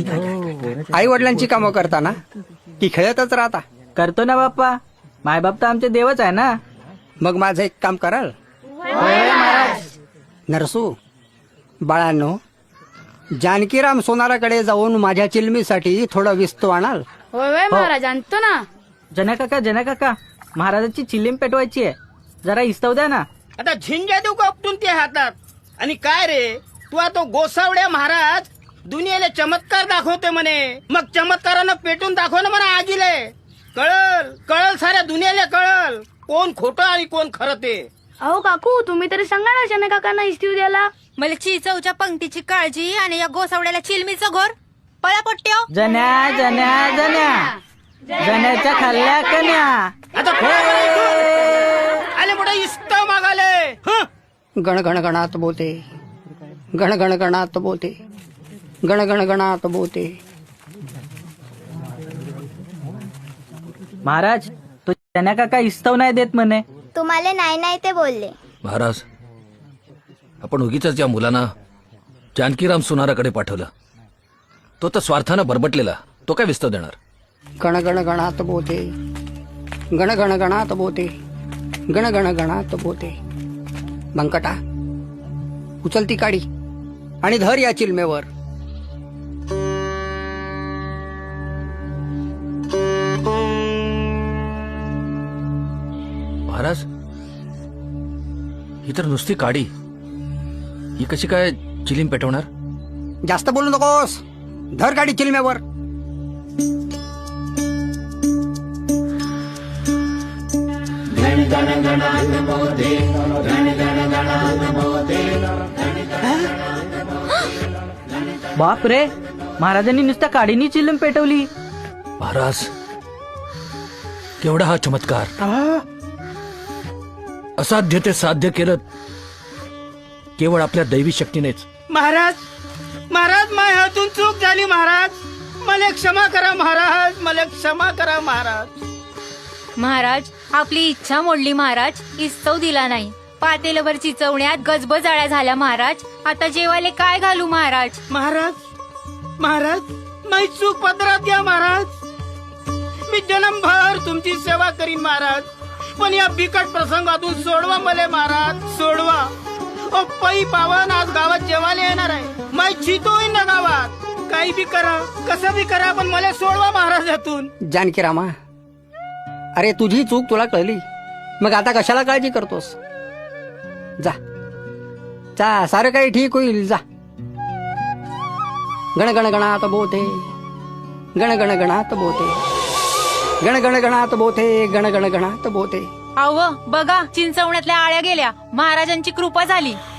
आई वडिलांची कामं करताना की खेळतच राहता? करतो ना बाप्पा, मायबाप तर आमचे देवच आहे ना. मग माझं एक काम कराल? नरसू बाळांनो, जानकीराम सोनाराकडे जाऊन माझ्या चिलमीसाठी थोडं विस्तू आणाल? होय महाराज आणतो ना. जना काका महाराजाची चिलीम पेटवायची आहे, जरा इस्तव द्या ना. आता झिंग्या देऊ का उपटून ते हातात? आणि काय रे तू तो गोसावड्या महाराज दुनियेला चमत्कार दाखवते म्हणे, मग चमत्कारानं पेटून दाखव ना म्हणा आजीले. कळल साऱ्या दुनियेला कळल कोण खोटं आणि कोण खरं ते. अहो काकू तुम्ही तरी सांगा ना शने काकांना इस्तीव द्यायला. मला चिचवच्या पंक्तीची काळजी आणि या गोसावड्याला चिलमीचं घोर. पळा पट्ट्यो. जन्या जन्या जन्या जन्याच्या खाल्ल्या कन्या. आता आले मोठे इस्त मागाले. हं? गण गण गणात बोते, गण गण गणात बोते, गण गण गणात बोते. महाराज तो जन्या काका इस्तव नाही देत म्हणे. तुम्हाला नाही ते बोलले. महाराज, आपण उगीच या मुलांना जानकीराम सोनाराकडे पाठवलं. तो तर स्वार्थानं बरबटलेला, तो काय विस्तव देणार? गण गण गणात बोते, गण गण गणात बोते, गण गण गणात बोते. बंकटा उचल ती काडी आणि धर या चिलमेवर. महाराज, ही तर नुसती काडी, ही कशी काय चिलीम पेटवणार? जास्त बोलू नकोस, धर काडी चिलमेवर. बाप रे, महाराजांनी नुसत्या काडीनी चिलीम पेटवली. महाराज, केवढा हा चमत्कार! असाध्य ते साध्य केलं केवळ आपल्या दैवी शक्तीनेच. महाराज माझ्या हातून चूक झाली महाराज, मला क्षमा करा महाराज, मला क्षमा करा महाराज. महाराज आपली इच्छा मोडली महाराज, इस्तव दिला नाही. पातेलभर चिचवण्यात गजबज आळ्या झाल्या महाराज. आता जेवायला काय घालू महाराज? महाराज माझी चूक पदरात घ्या महाराज. मी जन्मभर तुमची सेवा करीन महाराज, पण या बिकट प्रसंगातून सोडवा मला महाराज, सोडवा. ओ पै पावन आज गावात जेवायला येणार आहे, माझी चितो होईन ना गावात. काही बी करा, कसं बी करा, पण मला सोडवा महाराज यातून. जानकीरामा, अरे तुझी चूक तुला कळली, मग आता कशाला काळजी करतोस? जा जा, सारं काही ठीक होईल, जा. गण गण गणात बोते, गण गण गणात बोते, गण गण गणात बोते, गण गण गणात बोते. अहो बघा, चिंचवण्यातल्या आळ्या गेल्या, महाराजांची कृपा झाली.